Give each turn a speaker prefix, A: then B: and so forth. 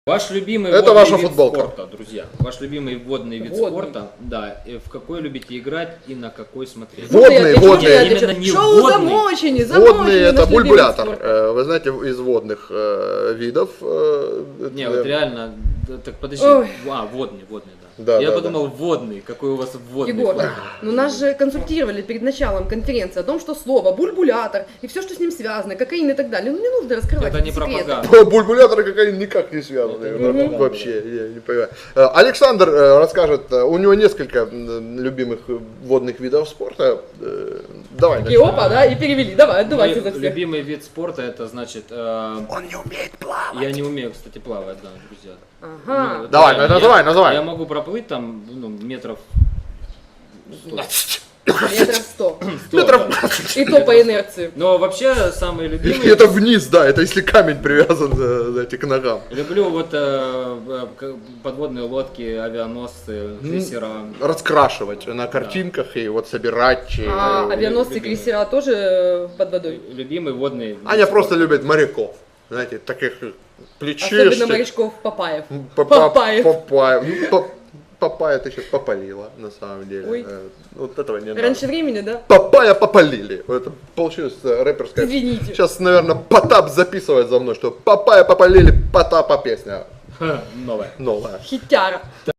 A: Ваш любимый
B: Это
A: водный
B: ваша
A: вид
B: футболка.
A: спорта, друзья. Ваш любимый водный вид спорта, да. И в какой любите играть и на какой смотреть?
B: Водные, водные.
A: Именно не
C: Шоу
A: водный.
C: замочени,
B: Водные это
C: наш любимый
B: бульбулятор.
C: спорт.
B: Вы знаете, из водных видов.
A: Не, вот реально, так подожди.
C: Ой.
A: Водный, да.
B: Да,
A: Я
B: да,
A: подумал, водный, какой у вас водный.
C: Егор,
A: флаг.
C: ну нас же консультировали перед началом конференции о том, что слово бульбулятор и все, что с ним связано, кокаин и так далее. Ну не нужно раскрывать
A: Это не
C: эти секреты.
A: пропаганда.
B: Бульбуляторы какая никак не связаны.
A: Это не пропаганда.
B: Вообще, я не понимаю. Александр расскажет, у него несколько любимых водных видов спорта. Давай.
C: И
B: начнем.
C: опа, да, и перевели. Давайте
A: Мой
C: за всех.
A: любимый вид спорта это значит...
B: Он не умеет плавать.
A: Я не умею, кстати, плавать, да, друзья.
C: Ага.
A: Ну,
B: Давай,
A: реально,
B: называй.
A: Я могу проплыть там, метров 100.
C: Метров 100.
B: Метров.
C: И то по инерции.
A: Но вообще самый любимый...
B: Это вниз, да, это если камень привязан знаете, к ногам.
A: Люблю вот подводные лодки, авианосцы, крейсера.
B: Раскрашивать на картинках и вот собирать.
C: А авианосцы и
A: любимый.
C: крейсера тоже под водой?
A: Любимый водный...
B: Аня просто любит моряков. Знаете, таких плечистых.
C: Особенно морячков Папаев.
B: Папаев.
C: Папаев.
B: Папая ты сейчас попалила, на самом деле.
C: Ой.
B: Вот этого не надо.
C: Раньше времени, да?
B: Папая попалили. Это получилось рэперская.
C: Извините.
B: Сейчас, наверное, Потап записывает за мной, что Папая попалили, Потапа песня
A: Новое.
B: новая.
C: Хитяра.